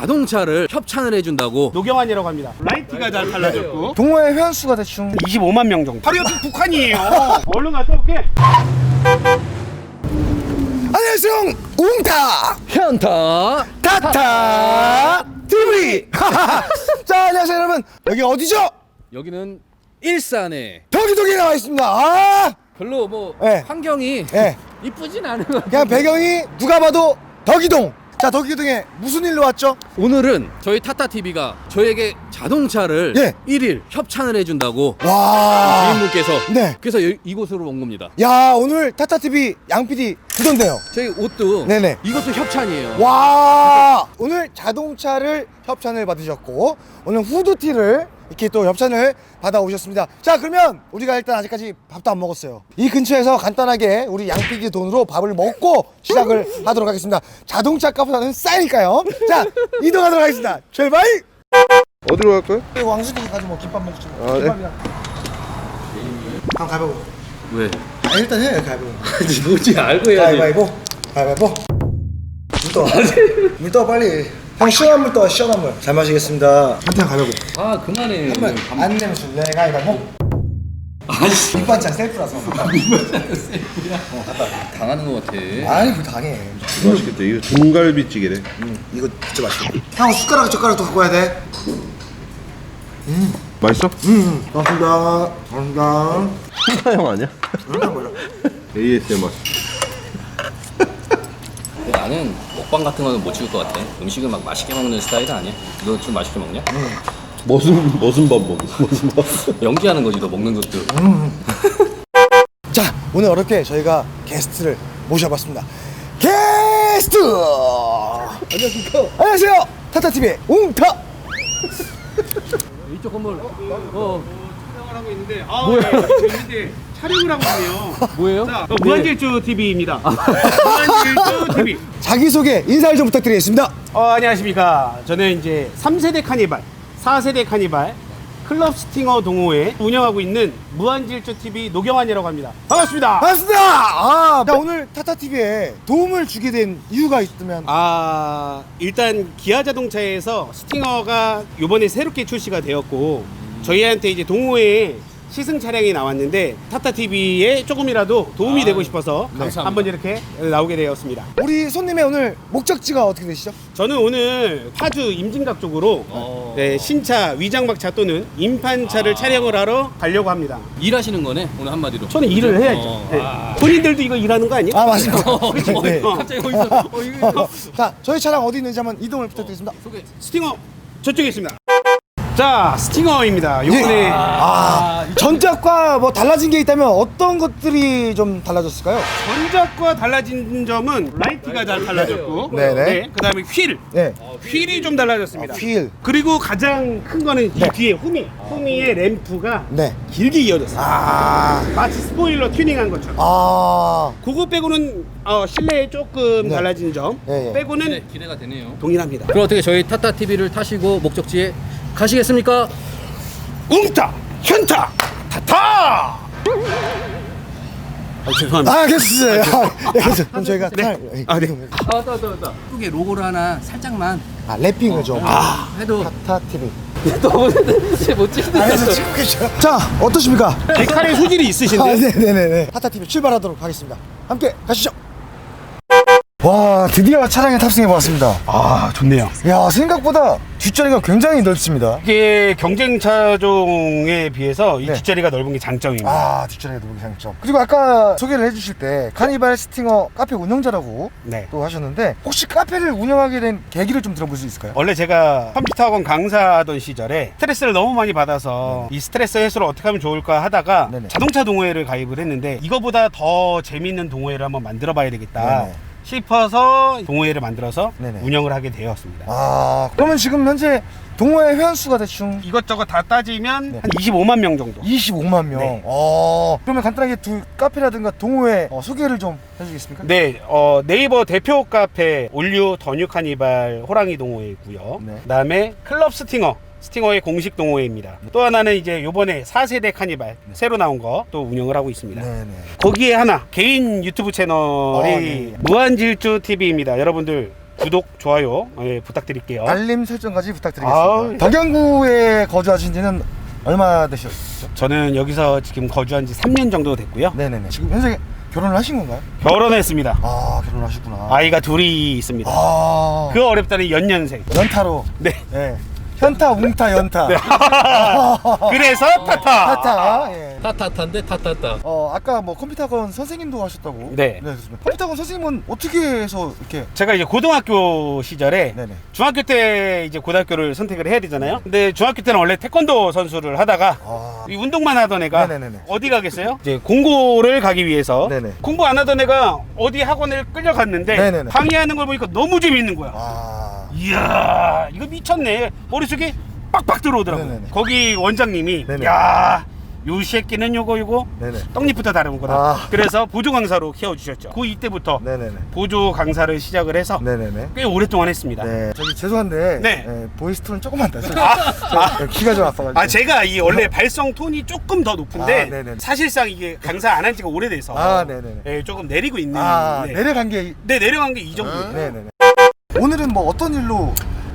자동차를 협찬을 해준다고. 노경환이라고 합니다. 라이트가 잘 달라졌고 동호회 회원수가 대충 25만 명 정도. 바로 옆에 북한이에요. 얼른 갔다 올게. 안녕하세요. 웅타 현타 타타 TV. 자, 안녕하세요 여러분. 여기 어디죠? 여기는 일산에 덕이동에 나와 있습니다. 아, 별로 뭐 네. 환경이 네. 이쁘진 않은 것 같아요. 그냥 배경이 누가 봐도 덕이동. 자, 덕이동에 무슨 일로 왔죠? 오늘은 저희 타타TV가 저에게 자동차를 예. 1일 협찬을 해준다고 와. 주인분께서 네. 그래서 이곳으로 온 겁니다. 야, 오늘 타타 TV 양 PD 두던데요. 저희 옷도 네네. 이것도 협찬이에요. 와, 오늘 자동차를 협찬을 받으셨고 오늘 후드티를 이렇게 또 협찬을 받아오셨습니다. 자, 그러면 우리가 일단 아직까지 밥도 안 먹었어요. 이 근처에서 간단하게 우리 양피디 돈으로 밥을 먹고 시작을 하도록 하겠습니다. 자동차 값보다는 싸니까요. 자, 이동하도록 하겠습니다. 출발! 어디로 갈까요? 왕수님 가서 뭐 김밥 먹지 뭐. 아, 네. 김밥이랑. 한번 가보고. 왜? 아, 일단 해, 가보고. 뭔지 알고 해야지. 가위바위보. 가위바위보. 물 떠. 물 떠, 빨리. 형, 시원한 물 떠, 시원한 물. 잘 마시겠습니다. 한탕 가위바위보. 아 그만해. 안 내면 줄래? 가위바위보. 아씨. 밑반찬 셀프라서. 당하는 것 같아. 아니, 그거 당해. 맛있겠다. 이거 등갈비찌개래. 이거 진짜 맛있어. 형, 숟가락 젓가락도 갖고 와야 돼. 맛있어? 고맙습니다. 고맙습니다. 형 아니야? 얼마나 걸려? ASMR. 나는 먹방 같은 거는 못 찍을 것 같아. 음식을 막 맛있게 먹는 스타일은 아니야. 너 좀 맛있게 먹냐? 무슨 밥 먹어? 무슨 밥? 연기하는 거지 너 먹는 것도. 자, 오늘 어렵게 저희가 게스트를 모셔봤습니다. 게스트! 안녕하십니까? 안녕하세요. 타타TV의 웅타! 이쪽 건물. 촬영을 하고 있는데 뭐야? 재밌는데 촬영을 하고 있네요. 뭐예요? 자, 무한질주 TV입니다. 무한질주 TV. 자기소개 인사를 좀 부탁드리겠습니다. 안녕하십니까. 저는 이제 3세대 카니발, 4세대 카니발, 클럽 스팅어 동호회 운영하고 있는 무한질주 TV 노경환이라고 합니다. 반갑습니다. 반갑습니다. 아, 자, 오늘 타타TV에 도움을 주게 된 이유가 있다면? 일단 기아 자동차에서 스팅어가 이번에 새롭게 출시가 되었고 저희한테 이제 동호회에 시승 차량이 나왔는데 타타TV에 조금이라도 도움이 되고 싶어서 감사합니다. 한번 이렇게 나오게 되었습니다. 우리 손님의 오늘 목적지가 어떻게 되시죠? 저는 오늘 파주 임진각 쪽으로 네, 신차, 위장막차 또는 임판차를 촬영을 하러 가려고 합니다. 일하시는 거네 오늘 한마디로. 저는 일을 해야죠. 네. 본인들도 이거 일하는 거 아니에요? 아, 맞습니다. 네. 갑자기 거기서 이거 자, 저희 차량 어디 있는지 한번 이동을 부탁드리겠습니다. 소개. 스팅어 저쪽에 있습니다. 자, 스팅어입니다. 요번에 전작과 뭐 달라진 게 있다면 어떤 것들이 좀 달라졌을까요? 전작과 달라진 점은 라이트가 잘 달라졌고, 네네. 네, 그다음에 네. 휠이 좀 달라졌습니다. 휠. 그리고 가장 큰 거는 네. 이 뒤에 후미의 램프가 네. 길게 이어졌어요. 마치 스포일러 튜닝한 것처럼. 그거 빼고는 실내에 조금 네. 달라진 점 예, 예. 빼고는 기대가 되네요. 동일합니다. 그럼 어떻게 저희 타타TV를 타시고 목적지에 가시겠습니까? 웅타 현타 타타. 죄송합니다. 아, 괜찮으세요. 그럼 저희가 네. 차- 네. 왔다. 이게 로고를 하나 살짝만 랩핑을 좀. 해도 타타TV. 못 찍는다. 안에서 찍고 계셔. 자, 어떠십니까? 데칼의 소질이 있으신데. 네네네. 타타TV 출발하도록 하겠습니다. 함께 가시죠. 와, 드디어 차량에 탑승해 보았습니다. 좋네요. 야, 생각보다 뒷자리가 굉장히 넓습니다. 이게 경쟁 차종에 비해서 이 네. 뒷자리가 넓은 게 장점입니다. 아, 뒷자리가 넓은 장점. 그리고 아까 소개를 해주실 때 카니발 스팅어 카페 운영자라고 네. 또 하셨는데 혹시 카페를 운영하게 된 계기를 좀 들어볼 수 있을까요? 원래 제가 컴퓨터 학원 강사하던 시절에 스트레스를 너무 많이 받아서 이 스트레스 해소를 어떻게 하면 좋을까 하다가 네네. 자동차 동호회를 가입을 했는데 이거보다 더 재밌는 동호회를 한번 만들어 봐야 되겠다 네네. 싶어서 동호회를 만들어서 네네. 운영을 하게 되었습니다. 아, 그러면 지금 현재 동호회 회원수가 대충 이것저것 다 따지면 네. 한 25만 명 정도. 25만 명. 네. 그러면 간단하게 두 카페라든가 동호회 소개를 좀 해주시겠습니까? 네, 네이버 대표 카페 올류 더뉴 카니발 호랑이 동호회고요. 네. 그다음에 클럽 스팅어의 공식 동호회입니다. 또 하나는 이제 요번에 4세대 카니발 새로 나온 거 또 운영을 하고 있습니다. 네네. 거기에 하나 개인 유튜브 채널이 네. 무한질주 TV입니다. 여러분들 구독, 좋아요 부탁드릴게요. 알림 설정까지 부탁드리겠습니다. 아우. 덕양구에 거주하신 지는 얼마 되셨죠? 저는 여기서 지금 거주한 지 3년 정도 됐고요. 네네네. 지금 현재 결혼을 하신 건가요? 결혼했습니다. 아, 결혼하셨구나. 아이가 둘이 있습니다. 아, 그 어렵다는 연년생. 연타로. 네. 네. 현타, 웅타, 연타. 그래서 타타. 타타. 예. 타타타인데 타타타. 아까 뭐 컴퓨터학원 선생님도 하셨다고. 네. 그렇습니다. 컴퓨터학원 선생님은 어떻게 해서 이렇게. 제가 이제 고등학교 시절에 네네. 중학교 때 이제 고등학교를 선택을 해야 되잖아요. 근데 중학교 때는 원래 태권도 선수를 하다가 아, 이 운동만 하던 애가 네네네네. 어디 가겠어요? 이제 공고를 가기 위해서 네네. 공부 안 하던 애가 어디 학원을 끌려갔는데 네네네. 강의하는 걸 보니까 너무 재밌는 거야. 아. 이야, 이거 미쳤네. 머릿속에 빡빡 들어오더라고요. 네네네. 거기 원장님이 네네. 야, 요 새끼는 요거 네네. 떡잎부터 다르구나. 아. 그래서 보조 강사로 키워주셨죠. 그 이때부터 네네네. 보조 강사를 시작을 해서 네네네. 꽤 오랫동안 했습니다. 네. 저기 죄송한데. 네. 보이스 톤은 조금만 낮춰. 키가 좀 아파가지고. 아, 제가 이 원래 발성 톤이 조금 더 높은데 아, 네네네. 사실상 이게 강사 안 한 지가 오래돼서 아, 네네네. 예, 조금 내리고 있는. 네. 내려간 게. 네, 내려간 게 이 정도예요. 네네네. 오늘은 뭐 어떤 일로.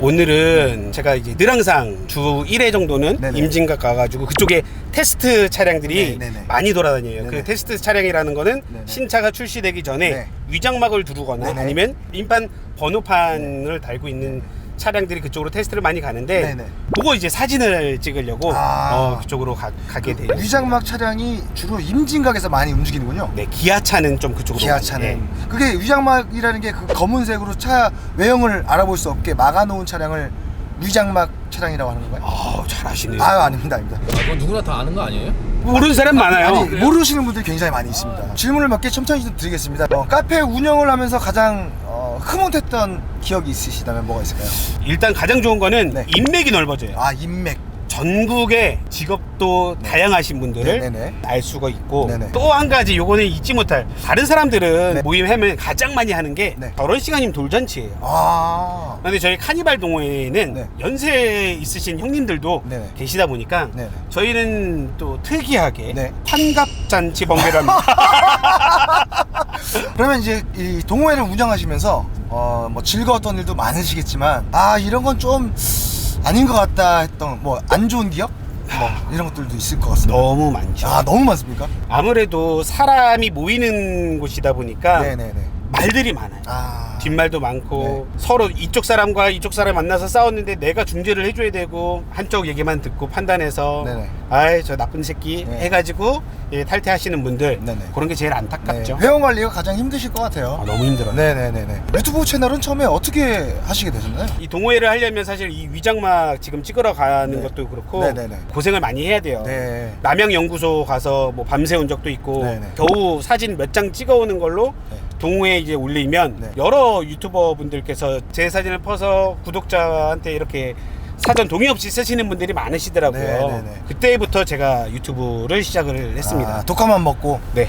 오늘은 제가 이제 늘 항상 주 1회 정도는 네네. 임진각 가가지고 그쪽에 테스트 차량들이 네네네. 많이 돌아다녀요. 네네. 그 테스트 차량이라는 거는 네네. 신차가 출시되기 전에 네. 위장막을 두르거나 네네. 아니면 인판 번호판을 달고 있는 차량들이 그쪽으로 테스트를 많이 가는데 네네. 그거 이제 사진을 찍으려고 그쪽으로 가게 돼요. 위장막 차량이 주로 임진각에서 많이 움직이는군요. 네, 기아차는 좀 그쪽으로 기아차는. 가는데. 그게 위장막이라는 게 그 검은색으로 차 외형을 알아볼 수 없게 막아놓은 차량을 위장막 차량이라고 하는 건가요? 아우, 잘하시네요. 아유, 아닙니다. 그건 누구나 다 아는 거 아니에요? 모르는 사람 많아요. 아니, 모르시는 분들이 굉장히 많이 있습니다. 질문을 몇 개 첨찬히 좀 드리겠습니다. 카페 운영을 하면서 가장 흐뭇했던 기억이 있으시다면 뭐가 있을까요? 일단 가장 좋은 거는 네. 인맥이 넓어져요. 아, 인맥. 전국의 직업도 다양하신 분들을 네네네. 알 수가 있고 네네. 또 한 가지 요거는 잊지 못할 다른 사람들은 네. 모임하면 가장 많이 하는 게 네. 결혼식아님 돌잔치예요. 아. 근데 저희 카니발 동호회에는 네. 연세 있으신 형님들도 네네. 계시다 보니까 네네. 저희는 또 특이하게 네. 환갑잔치 번개를 합니다. 그러면 이제 이 동호회를 운영하시면서 뭐 즐거웠던 일도 많으시겠지만 이런 건 좀 아닌 것 같다 했던 뭐 안 좋은 기억? 뭐 이런 것들도 있을 것 같습니다. 너무 많죠. 너무 많습니까? 아무래도 사람이 모이는 곳이다 보니까 네네네. 말들이 많아요. 뒷말도 많고 서로 이쪽 사람과 이쪽 사람 만나서 싸웠는데 내가 중재를 해줘야 되고 한쪽 얘기만 듣고 판단해서 네네. 아이 저 나쁜 새끼 네. 해가지고 탈퇴하시는 분들 네네. 그런 게 제일 안타깝죠. 회원 관리가 가장 힘드실 것 같아요. 너무 힘들어요. 네네네네. 유튜브 채널은 처음에 어떻게 하시게 되셨나요? 이 동호회를 하려면 사실 이 위장막 지금 찍으러 가는 네. 것도 그렇고 네네네. 고생을 많이 해야 돼요. 네. 남양연구소 가서 뭐 밤새운 적도 있고 네네. 겨우 사진 몇 장 찍어오는 걸로 네. 동호회에 이제 올리면 네. 여러 유튜버 분들께서 제 사진을 퍼서 구독자한테 이렇게 사전 동의 없이 쓰시는 분들이 많으시더라고요. 네네네. 그때부터 제가 유튜브를 시작을 했습니다. 독감만 먹고. 네.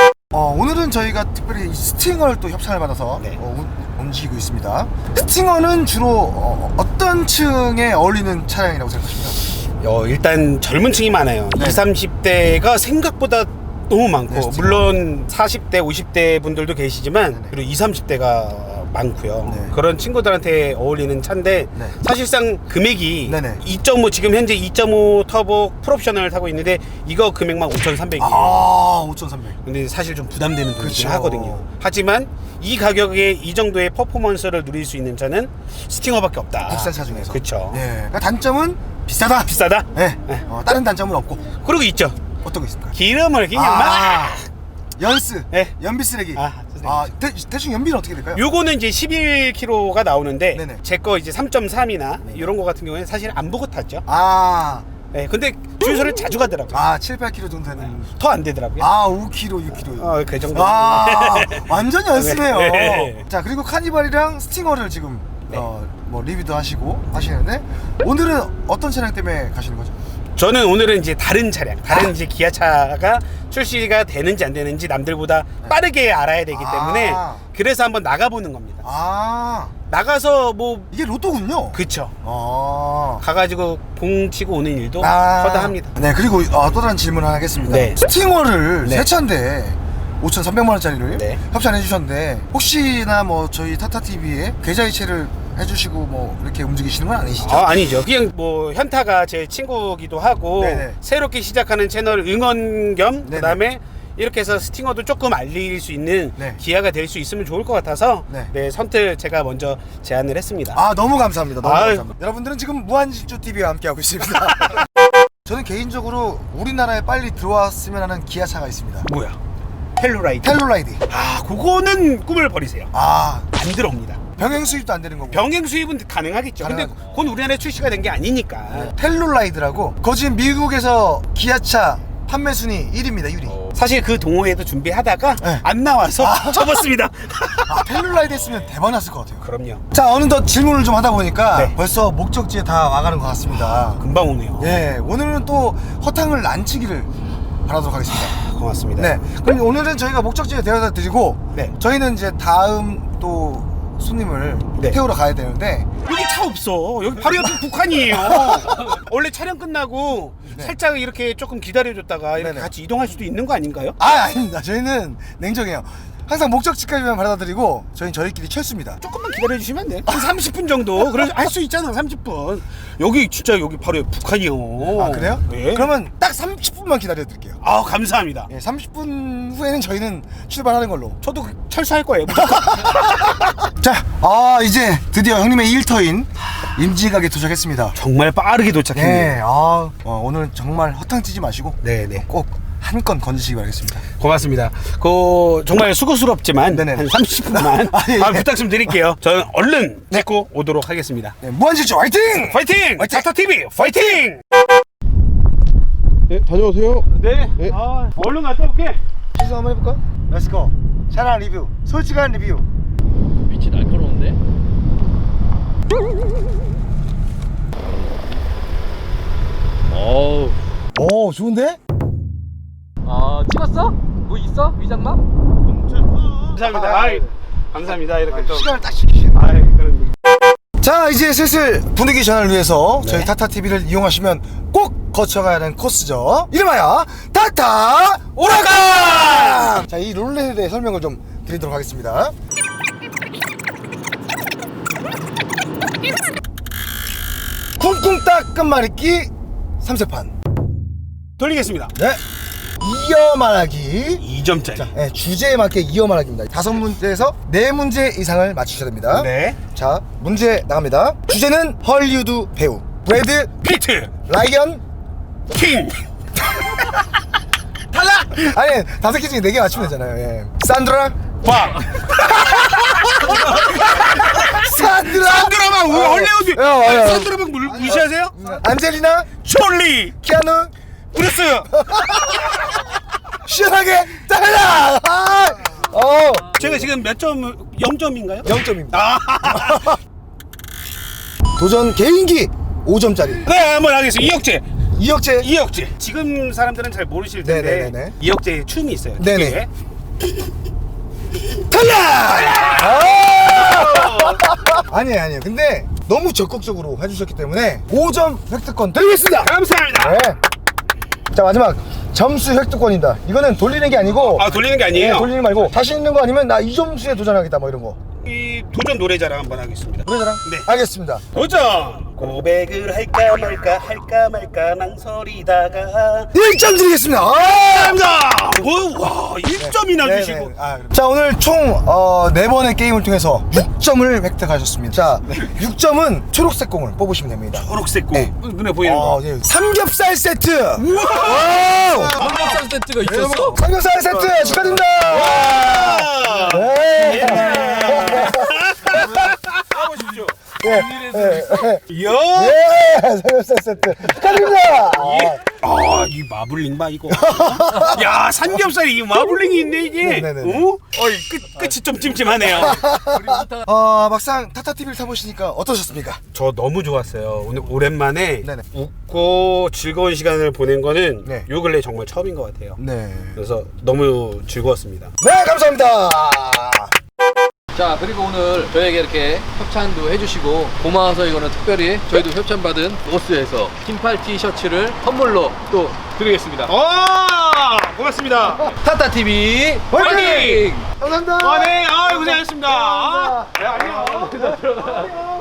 오늘은 저희가 특별히 스팅어를 또 협찬을 받아서 네. 움직이고 있습니다. 스팅어는 주로 어떤 층에 어울리는 차량이라고 생각하십니까? 일단 젊은 층이 많아요. 네. 20, 30대가 생각보다 너무 많고 네, 스팅어. 물론 40대, 50대 분들도 계시지만 네네. 그리고 20, 30대가 많고요. 네. 그런 친구들한테 어울리는 차인데 네. 사실상 금액이 네네. 2.5 지금 현재 2.5 터보 풀옵션을 타고 있는데 이거 금액만 5,300이에요. 5,300. 근데 사실 좀 부담되는 돈이긴 그쵸. 하거든요. 하지만 이 가격에 이 정도의 퍼포먼스를 누릴 수 있는 차는 스팅어밖에 없다. 국산 차 중에서. 그렇죠. 네. 그러니까 단점은 비싸다. 비싸다. 네. 네. 다른 단점은 없고. 그리고 있죠. 어떤 거 있습니까? 기름을 그냥 막 연스. 네. 연비 쓰레기. 쓰레기죠. 대충 연비는 어떻게 될까요? 요거는 이제 11km가 나오는데 네네. 제 거 이제 3.3이나 이런 거 같은 경우에는 사실 안 보고 탔죠. 네, 근데 주유소를 자주 가더라고요. 7, 8km 정도 되는. 더 안 되더라고요. 5km, 6km. 그 정도. 완전 연습해요. 네. 자, 그리고 카니발이랑 스팅어를 지금 네. 뭐 리뷰도 하시고 하시는데 오늘은 어떤 차량 때문에 가시는 거죠? 저는 오늘은 이제 다른 차량, 다른 이제 기아차가 출시가 되는지 안 되는지 남들보다 빠르게 알아야 되기 때문에 그래서 한번 나가보는 겁니다. 나가서 뭐 이게 로또군요. 그쵸. 가가지고 봉치고 오는 일도 허다합니다. 네, 그리고 또 다른 질문 하나 하겠습니다. 네. 스팅어를 네. 새 차인데 5,300만 원짜리를 네. 협찬해 주셨는데 혹시나 뭐 저희 타타TV에 계좌이체를 해주시고 뭐 이렇게 움직이시는 건 아니시죠? 아니죠. 그냥 뭐 현타가 제 친구기도 하고 네네. 새롭게 시작하는 채널 응원 겸 네네. 그다음에 이렇게 해서 스팅어도 조금 알릴 수 있는 네. 기회가 될 수 있으면 좋을 것 같아서 네. 네, 선뜻 제가 먼저 제안을 했습니다. 아 너무 감사합니다. 너무 아유. 감사합니다. 여러분들은 지금 무한질주TV와 함께하고 있습니다. 저는 개인적으로 우리나라에 빨리 들어왔으면 하는 기아차가 있습니다. 뭐야? 텔루라이드. 텔로라이드. 그거는 꿈을 버리세요. 아 안 들어옵니다. 병행 수입도 안 되는 거고. 병행 수입은 가능하겠죠. 근데 가능하죠. 그건 우리나라에 출시가 된 게 아니니까. 텔로라이드라고. 그거 지금 미국에서 기아차 판매 순위 1위입니다. 1위. 사실 그 동호회도 준비하다가 네. 안 나와서 접었습니다. 아 텔로라이드 했으면 대박 났을 것 같아요. 그럼요. 자 어느덧 질문을 좀 하다 보니까 네. 벌써 목적지에 다 와가는 것 같습니다. 금방 오네요. 예, 오늘은 또 허탕을 안 치기를 바라도록 하겠습니다. 고맙습니다. 네, 그럼 오늘은 저희가 목적지에 데려다 드리고 네. 저희는 이제 다음 또 손님을 네. 태우러 가야 되는데 여기 차 없어. 여기 바로 옆에 북한이에요. 원래 촬영 끝나고 네. 살짝 이렇게 조금 기다려줬다가 이렇게 네네. 같이 이동할 수도 있는 거 아닌가요? 아닙니다. 저희는 냉정해요. 항상 목적지까지만 바라다 드리고 저희는 저희끼리 철수입니다. 조금만 기다려주시면 안 돼요? 한 30분 정도. 그래서 할 수 있잖아. 30분. 여기 진짜 여기 바로 옆 북한이요. 아 그래요? 네. 그러면 딱 30분만 기다려 드릴게요. 감사합니다. 예, 30분 후에는 저희는 출발하는 걸로. 저도 철수할 거예요. 자, 이제 드디어 형님의 일터인 임지각에 도착했습니다. 정말 빠르게 도착했네요. 네, 오늘 정말 허탕치지 마시고 네네. 꼭 한 건 건지시기 바라겠습니다. 고맙습니다. 정말 수고스럽지만 네네네. 한 30분만 아, 예. 부탁 좀 드릴게요. 저는 얼른 찍고 오도록 하겠습니다. 네, 무한질주 화이팅! 파이팅! 화이팅! 타타TV 파이팅! 네, 다녀오세요. 네. 네. 얼른 갔다 올게. 시승 한번 해볼까? 렛츠고. 차량 리뷰, 솔직한 리뷰. 빛이 날카로운데? 어우. 오, 좋은데? 찍었어? 뭐 있어? 위장막? 감사합니다. 감사합니다. 이렇게 또. 시간을 딱 지키시네. 그런. 자, 이제 슬슬 분위기 전환을 위해서 네. 저희 타타TV를 이용하시면 꼭 거쳐가야 하는 코스죠. 이름하여 타타 오라간! 자, 이 룰렛에 대해 설명을 좀 드리도록 하겠습니다. 쿵쿵딱 끝말잇기 3세판. 돌리겠습니다. 네. 이어 말하기. 2점짜리. 자, 네, 주제에 맞게 이어 말하기입니다. 5문제에서 4문제 이상을 맞추셔야 됩니다. 네. 자, 문제 나갑니다. 주제는 헐리우드 배우 브래드 피트. 라이언 킹. 탈락! 아니 5개 중에 4개 맞추면 되잖아요. 예. 산드라 박. 산드라만 헐리우드. 산드라만 무시하세요? 안젤리나 촐리. 키아누 브루스. 시원하게 탈락! 제가 지금 몇 점? 0점인가요? 0점입니다. 도전 개인기 5점짜리 네, 한번 하겠습니다. 이혁재 이혁재. 지금 사람들은 잘 모르실 텐데 네네네네. 이혁재의 춤이 있어요. 네네. 뒤에. 탈락! 아니에요. 근데 너무 적극적으로 해주셨기 때문에 5점 획득권 드리겠습니다. 감사합니다. 네. 자, 마지막 점수 획득권입니다. 이거는 돌리는 게 아니고 돌리는 게 아니에요. 네, 돌리는 말고 자신 있는 거 아니면 나 이 점수에 도전하겠다 뭐 이런 거. 이 도전 노래자랑 한번 하겠습니다. 노래자랑? 네. 알겠습니다. 도전! 고백을 할까 말까 망설이다가 1점 드리겠습니다. 감사합니다. 와 1점이나 네, 주시고. 네. 자, 오늘 총 4번의 게임을 통해서 6점을 획득하셨습니다. 자, 6점은 초록색 공을 뽑으시면 됩니다. 초록색 공. 네. 눈에 보이는 거. 네. 삼겹살 세트. 우와! 삼겹살 세트가 있었어? 삼겹살 세트 축하드립니다. 와! 네. 가보십시오. 이야! 예, 삼겹살 세트 축하드립니다. 이 마블링 봐 이거. 야, 삼겹살이 이 마블링이 있네 이게. 네네네. 끝이 좀 찜찜하네요. 막상 타타TV를 타보시니까 어떠셨습니까? 저 너무 좋았어요. 오늘 오랜만에 네네. 웃고 즐거운 시간을 보낸 거는 네. 요 근래 정말 처음인 것 같아요. 네. 그래서 너무 즐거웠습니다. 네, 감사합니다. 자, 그리고 오늘 저에게 이렇게 협찬도 해주시고 고마워서 이거는 특별히 저희도 협찬받은 로스에서 긴팔 티셔츠를 선물로 또 드리겠습니다. 고맙습니다. 타타 TV 화이팅! 화이팅! 감사합니다. 네, 고생하셨습니다. 감사합니다. 네, 안녕.